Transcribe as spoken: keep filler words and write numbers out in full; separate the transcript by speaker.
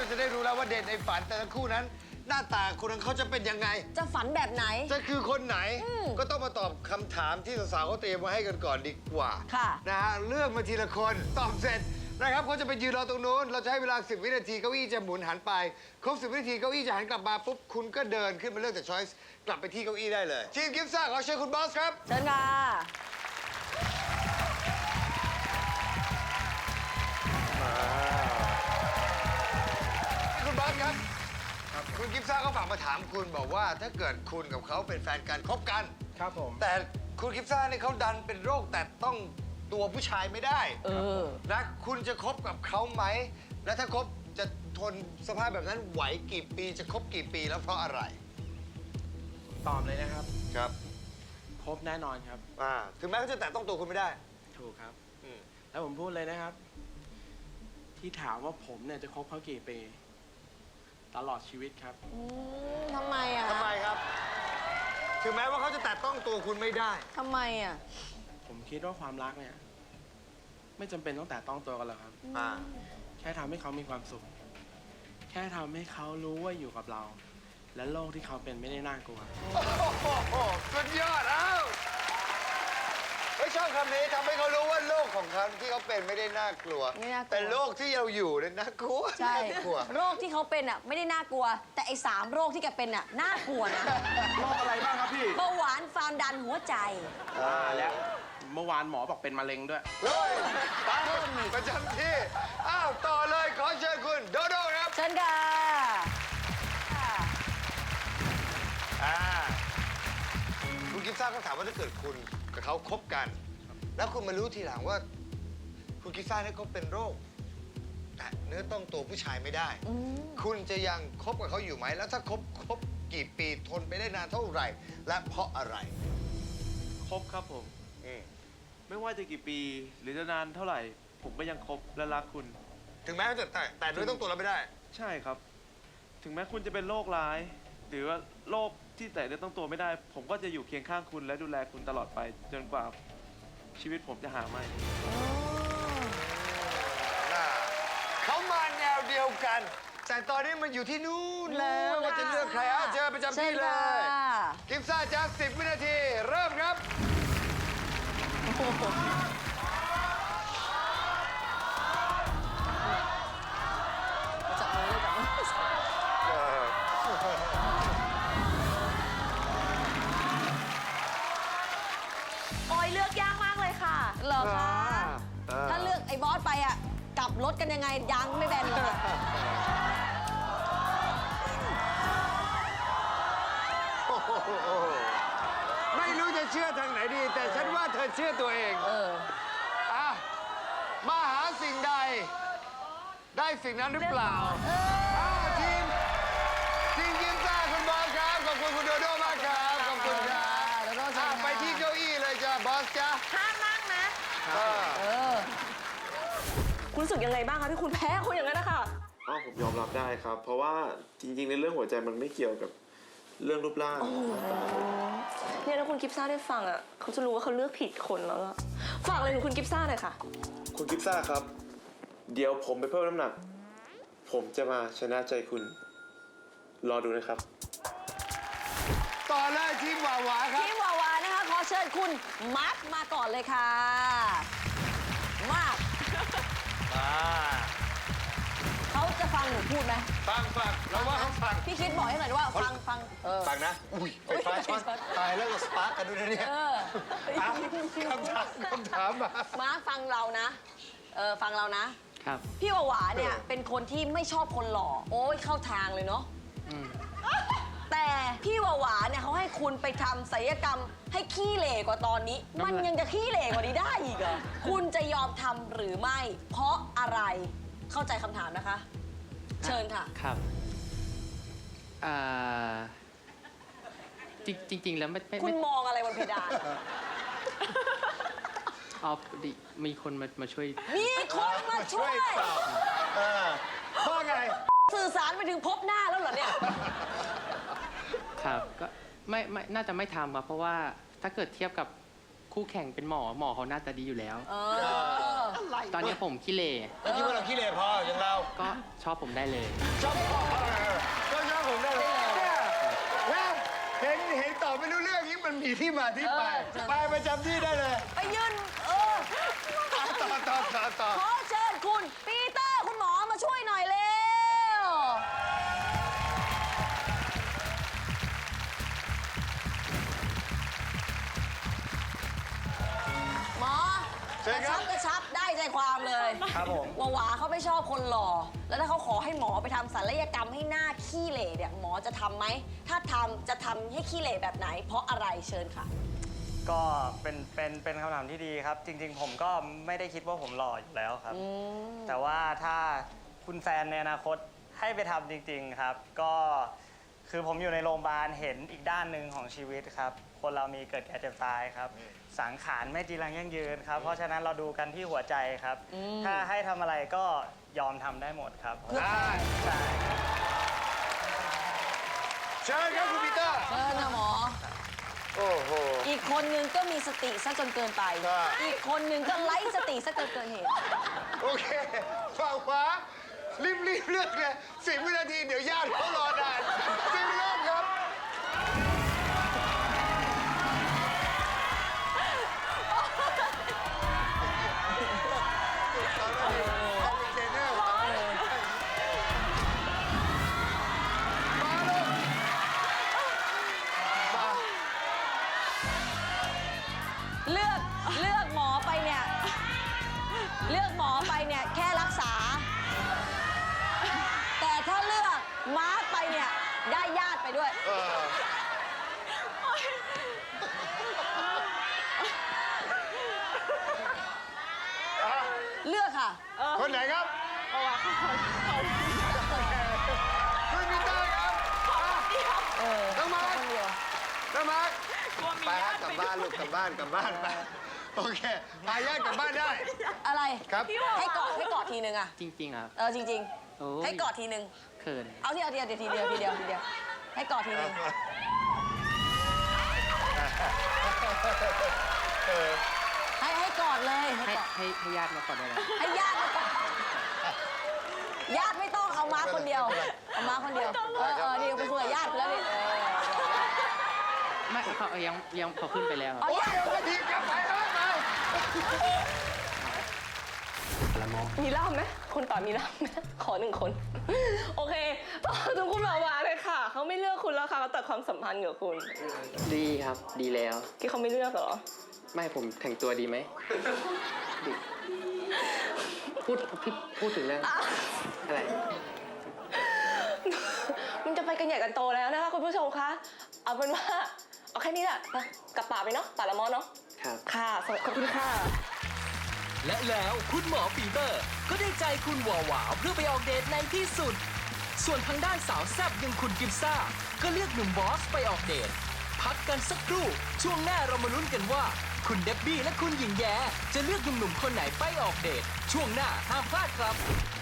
Speaker 1: จะได้รู้แล้วว่าเดทในฝันแต่ละคู่นั้น หน้าตาคนนั้นเขาจะเป็นยังไง
Speaker 2: จะฝันแบบไหน
Speaker 1: จะคือคนไหนก็ต้องมาตอบคำถามที่สาวๆเขาเตรียมมาให้กันก่อนดีกว่า
Speaker 2: ค่ะ
Speaker 1: นะฮะเลือกมาทีละคนตอบเสร็จนะครับเขาจะไปยืนรอตรงนู้นเราจะให้เวลาสิบวินาทีเก้าอี้จะหมุนหันไปครบสิบวินาทีเก้าอี้จะหันกลับมาปุ๊บคุณก็เดินขึ้นมาเลือกจากช้อยส์กลับไปที่เก้าอี้ได้เลยทีมกิฟซ่าขอเชิญคุณบอสครับ
Speaker 2: เชิญค่ะ
Speaker 1: คุณบอสครับคุณกิฟซ่าก็ฝากมาถามคุณบอกว่าถ้าเกิดคุณกับเขาเป็นแฟนกันคบกัน
Speaker 3: ครับผม
Speaker 1: แต่คุณกิฟซ่าเนี่ยเขาดันเป็นโรคแต่ต้องตัวผู้ชายไม่ได้
Speaker 2: เออ
Speaker 1: นะคุณจะคบกับเขาไหมและถ้าคบจะทนสภาพแบบนั้นไหวกี่ปีจะคบกี่ปีแล้วเพราะอะไร
Speaker 3: ตอบเลยนะครับ
Speaker 1: ครับ
Speaker 3: ครบแน่นอนครับ
Speaker 1: อ่าถึงแม้เขาจะแตะต้องตัวคุณไม่ได้
Speaker 3: ถูกครับแล้วผมพูดเลยนะครับ ที่ถามว่าผมเนี่ยจะคบเขากี่ปีตลอดชีวิตครับ
Speaker 2: ทำไมอ่ะ
Speaker 1: ทำไมครับถึงแม้ว่าเขาจะแตะต้องตัวคุณไม่ได้
Speaker 2: ทำไมอ่ะ
Speaker 3: ผมคิดว่าความรักเนี่ยไม่จำเป็นต้องแตะต้องตัวกันหรอกครับ
Speaker 1: อ่า
Speaker 3: แค่ทำให้เขามีความสุขแค่ทำให้เขารู้ว่าอยู่กับเรา และโลกที่เขาเป็นไม่ได้น่ากลัว
Speaker 1: โอ้โหสุดยอดเอ้าไม่ชอบคำนี้ทำให้เขารู้ว่าโลกของเขาที่เขาเป็นไม่ได้น่ากลัวแต่โลกที่เราอยู่เนี่ยน่ากลัว
Speaker 2: ใช่โรคที่เขาเป็นอ่ะไม่ได้น่ากลัวแต่ไอ้สามโรคที่แกเป็นอ่ะน่ากลัวนะ
Speaker 3: โรคอะไรบ้างครับพี่
Speaker 2: เบาหวานความดันหัวใจ
Speaker 3: อ่าแล้วเมื่อวานหมอบอกเป็นมะเร็งด้วย
Speaker 1: เฮ้ยตามประจำที่อ้าวต่อเลยขอเชิญคุณโดโด้ครับ
Speaker 2: เชิญค่ะ
Speaker 1: อ่าคุณกิฟซ่าก็ถามว่าถ้าเกิดคุณกับเขาคบกันแล้วคุณมารู้ทีหลังว่าคุณกิฟซ่าเนี่ยเขาเป็นโรคแต่เนื้อต้องตัวผู้ชายไม่ได้คุณจะยังคบกับเขาอยู่ไหมแล้วถ้าคบคบกี่ปีทนไปได้นานเท่าไหร่และเพราะอะไร
Speaker 4: คบครับผมไม่ว่าจะกี่ปีหรือจะนานเท่าไหร่ผมก็ยังคบและรักคุณ
Speaker 1: ถึงแม้จะแต่แต่เนื้อต้องตัวเราไม่ได้
Speaker 4: ใช่ครับถึงแม้คุณจะเป็นโรคร้ายหรือว่าโรคที่แต่เนื้อต้องตัวไม่ได้ผมก็จะอยู่เคียงข้างคุณและดูแลคุณตลอดไปจนกว่าชีวิตผมจะหาไม่
Speaker 1: เขามาแนวเดียวกันแต่ตอนนี้มันอยู่ที่นู่นแล้วว่าจะเลือกใครเอาเจอประจำที่เลยกิฟซ่าจากสิบวินาทีเริ่มครับ
Speaker 2: จับมือเลยจับมือ
Speaker 5: โอ้ยเลือกยากมากเลยค่ะ
Speaker 2: เหรอคะถ้าเลือกไอ้บอสไปอ่ะกลับรถกันยังไงยางไม่แบนเลย
Speaker 1: ไม่รู้จะเชื่อทางไหนดีแต่ฉันว่าเธอเชื่อตัวเอง
Speaker 2: เออ
Speaker 1: อ่ะมาหาสิ่งใดได้สิ่งนั้นหรือเปล่าอ้าวทีมทีมกิฟซ่าคุณบอสครับขอบคุณคุณโดโด้มากครับขอบคุณครับไปที่เก้าอี้เลยจ้ะบอสจ้ะ
Speaker 5: ห้ามนั่งนะ
Speaker 2: เออ
Speaker 5: คุณรู้สึกยังไงบ้างคะที่คุณแพ้คนอย่างนั้นนะคะ
Speaker 4: อ๋อผมยอมรับได้ครับเพราะว่าจริงๆในเรื่องหัวใจมันไม่เกี่ยวกับเรื่องรูปร่าง
Speaker 5: เนี่ยถ้าคุณกิฟซ่าได้ฟังอ่ะเขาจะรู้ว่าเขาเลือกผิดคนแล้วอะฝากอะไรถึงคุณกิฟซ่าหน่อยค่ะ
Speaker 4: คุณกิฟซ่าครับเดี๋ยวผมไปเพิ่มน้ำหนักผมจะมาชนะใจคุณรอดูนะครับ
Speaker 1: ต่อเลยทีมหวาหวาครับ
Speaker 2: ทีมหวาหวานะคะขอเชิญคุณมาร์คมาก่อนเลยค่ะมาร์คเขาจะฟังหนูพูดไหม
Speaker 1: ฟังฟังเราว่าเขาฟัง
Speaker 2: พี่คิดบอกให้หน่อยว่าฟังฟัง
Speaker 1: ฟังนะอุ้ยไฟฟ้าช็อตตายแล้วก็สปาร์กกันด้วยนะเนี่ยคำถามคำถามมา
Speaker 2: มาร์คฟังเรานะเออฟังเรานะครับพี่หวาหวาเนี่ยเป็นคนที่ไม่ชอบคนหล่อโอ้ยเข้าทางเลยเนาะแต่พี่หวาหวาเนี่ยเขาให้คุณไปทำศัลยกรรมให้ขี้เหร่กว่าตอนนี้มันยังจะขี้เหร่กว่านี้ได้อีกเหรอคุณจะยอมทำหรือไม่เพราะอะไรเข้าใจคำถามนะคะเชิญค่ะ
Speaker 6: ครับอ่าจริงจริงแล้วไม่
Speaker 2: คุณมองอะไรบนเพดาน
Speaker 6: อ๋อดิมีคนมามาช่วย
Speaker 2: มีคนมาช่วย
Speaker 1: พ่อไง
Speaker 2: สื่อสารไปถึงพบหน้าแล้วเหรอเนี่ย
Speaker 6: ครับก็ไม่ไม่น่าจะไม่ทำครับเพราะว่าถ้าเกิดเทียบกับคู่แข่งเป็นหมอหมอเขาหน้าตาดีอยู่แล้ว
Speaker 2: เออ
Speaker 6: ตอนนี้ผมขี้เหร่
Speaker 1: แล้วคิดว่าเราขี้เหร่พออย่างเรา
Speaker 6: ก็ชอบผมได้เลย
Speaker 1: ชอบพ่อเออก็ชอบผมได้เลยเนี่ยแล้วเห็นเห็นตอบไม่รู้เรื่องนี้มันมีที่มาที่ไป
Speaker 2: เออ
Speaker 1: ไปประจำที่ได้เลย
Speaker 2: ไปยืนเออ
Speaker 1: ต่อต่อต่อต่อต่อ
Speaker 2: ขอเชิญคุณปีเตอร์คุณหมอมาช่วยหน่อยเร็ว หมอกระชับกระชับได้ใจความเลย
Speaker 3: ครับผม
Speaker 2: หวาหวาเขาไม่ชอบคนหล่อ แล้วถ้าเขาขอให้หมอไปทำศัลยกรรมให้หน้าขี้เหร่เนี่ยหมอจะทำไหม ถ้าทำจะทำให้ขี้เหร่แบบไหน เพราะอะไรเชิญค่ะ
Speaker 7: ก็เป็นเป็นเป็นคำถามที่ดีครับ จริง ๆ ผมก็ไม่ได้คิดว่าผมหล่ออยู่แล้วครับ แต่ว่าถ้าคุณแฟนในอนาคตให้ไปทำจริง ๆครับ ก็คือผมอยู่ในโรงพยาบาลเห็นอีกด้านหนึ่งของชีวิตครับ คนเรามีเกิดแก่เจ็บตายครับ สังขารไม่จีรังยั่งยืนครับ เพราะฉะนั้นเราดูกันที่หัวใจครับ ถ้าให้ทำอะไรก็ยอมทำได้หมดครับ
Speaker 1: ได้
Speaker 7: ใช่
Speaker 1: เชิญครับคุณปีเตอร์
Speaker 2: เชิญนะหมอ
Speaker 1: โอ้โห
Speaker 2: อีกคนนึงก็มีสติซะจนเกินไป
Speaker 1: ใช่
Speaker 2: อีกคนนึงก็ไร้สติซะเกินเกินเหตุ
Speaker 1: โอเคฝั่งขวารีบรีบเลือกเลยสิบวินาทีเดี๋ยวญาติเขารอนานสิบเริ่มครับเอาเป็นเทรนเนอร์ครับมาลูก มา
Speaker 2: เลือกเลือกหมอไปเนี่ย เลือกหมอไปเนี่ยแค่รักษา แต่ถ้าเลือกมาร์คไปเนี่ยได้ญาติไปด้วย
Speaker 1: เออ
Speaker 2: เลือกค่ะ
Speaker 1: คนไหนครับคุณปีเตอร์ครับต้องมา
Speaker 2: คนเดียว
Speaker 1: ต้องมาไปฮะกลับบ้านลูกกลับบ้านกลับบ้านไปโอเคพาญาติกลับบ้านได้
Speaker 2: อะไร
Speaker 1: ครับ
Speaker 2: ให้กอดให้กอดทีนึงอะ
Speaker 6: จริงๆครับ
Speaker 2: เออจริง
Speaker 6: โอ้ย
Speaker 2: ๆ ให้กอดทีนึง
Speaker 6: เขิน
Speaker 2: เอาทีเดียวทีเดียวทีเดียวทีเดียวทีเดียวให้กอดทีนึงให้ให้กอดเลยให้
Speaker 6: ให้
Speaker 2: กอด
Speaker 6: ให้ให้ญาติมาก่อนได้ไหม
Speaker 2: ให้ญาติมาก่อนญาติไม่ต้องเอามาคนเดียวเอามาคนเดียวเออเออนี่ไปคุยกับญาติไปแล้วนี่เออ
Speaker 6: ไม่เขายังยังพอขึ้นไปแล้วครับ
Speaker 2: เอา
Speaker 1: โอ้ย
Speaker 2: ญาติ
Speaker 1: เดี๋ยวกระทีกลับไปเถอะไป
Speaker 5: มีล่ามไหมคนต่อมีล่ามไหมขอหนึ่งคน โอเคต่อถึงคุณหวาวาเลยค่ะ เขาไม่เลือกคุณแล้วค่ะเขาตัดความสัมพันธ์กับคุณ
Speaker 6: ดีครับ ดีแล้ว
Speaker 5: ที่เขาไม่เลือกเหรอ
Speaker 6: ไม่ผมแต่งตัวดีไหมดีพูดพี่พูดถึงเรื่องอะไร
Speaker 5: มันจะไปกันใหญ่กันโตแล้วนะคะคุณผู้ชมคะ เอาเป็นว่า เอาแค่นี้แหละไปกลับป่าไปเนาะป่าละมอเนาะ
Speaker 6: ครับ
Speaker 5: ค่ะสวัสดีขอบคุณค่ะ
Speaker 8: และแล้วคุณหมอปีเตอร์ ก็ได้ใจคุณหวาหวาเพื่อไปออกเดทในที่สุด ส่วนทางด้านสาวแซ่บอย่างคุณกิฟซ่า ก็เลือกหนุ่มบอสไปออกเดท พักกันสักครู่ ช่วงหน้าเรามาลุ้นกันว่า คุณเดบบี้และคุณหญิงแย้จะเลือกหนุ่มๆคนไหนไปออกเดท ช่วงหน้าห้ามพลาดครับ